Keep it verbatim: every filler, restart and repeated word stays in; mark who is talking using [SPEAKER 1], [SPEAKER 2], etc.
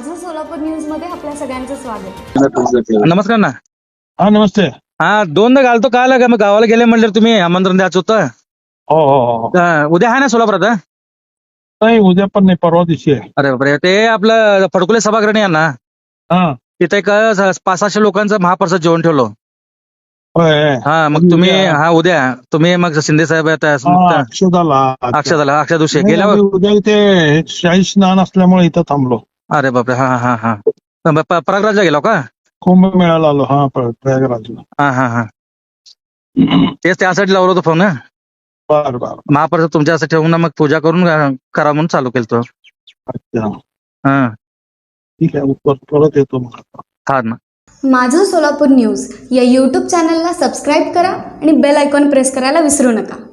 [SPEAKER 1] माझं सोलापूर न्यूज मध्ये आपल्या सगळ्यांचं स्वागत.
[SPEAKER 2] नमस्कार ना.
[SPEAKER 3] हा नमस्ते.
[SPEAKER 2] हा दोनदा घालतो काल का मग गावाला गेले म्हणले तुम्ही आमंत्रण द्यायचं होतं.
[SPEAKER 3] हो हो हो
[SPEAKER 2] अं, उद्या आहे ना सोलापुरात? हं?
[SPEAKER 3] नाही उद्या पण नाही परवा दिवशी आहे.
[SPEAKER 2] अरे बापरे, ते आपलं फडकुले सभागृह आहे ना,
[SPEAKER 3] हा
[SPEAKER 2] तिथे एक पाच सहाशे लोकांचं महाप्रसाद जेवण ठेवलो.
[SPEAKER 3] होय.
[SPEAKER 2] हा मग तुम्ही हा उद्या तुम्ही मग शिंदे साहेब आता
[SPEAKER 3] हा, अक्षदाला
[SPEAKER 2] अक्षदाला अक्षय दिवशी
[SPEAKER 3] नाही,
[SPEAKER 2] गेल्यावर.
[SPEAKER 3] आम्ही उद्या इथे शाही स्नान असल्यामुळे इथं थांबलो.
[SPEAKER 2] अरे बापरे, हा हा हा प- प्रयागराजला गेलो का?
[SPEAKER 3] कुंभमेळ्याला आलो. हा प्र- प्रयागराजला.
[SPEAKER 2] हा हा हा तेच त्यासाठी लावलं होतं फोन. हं?
[SPEAKER 3] बर बर.
[SPEAKER 2] महाप्रसाद तुमच्यासाठी ठेवून ना मग पूजा करून अं, करा म्हणून चालू केलं तो.
[SPEAKER 3] अच्छा
[SPEAKER 2] हा
[SPEAKER 3] ठीक आहे. पर- परत येतो मग.
[SPEAKER 2] हा ना.
[SPEAKER 1] माझं सोलापूर न्यूज या यूट्यूब चॅनलला सबस्क्राईब करा आणि बेल आयकॉन प्रेस करायला विसरू नका.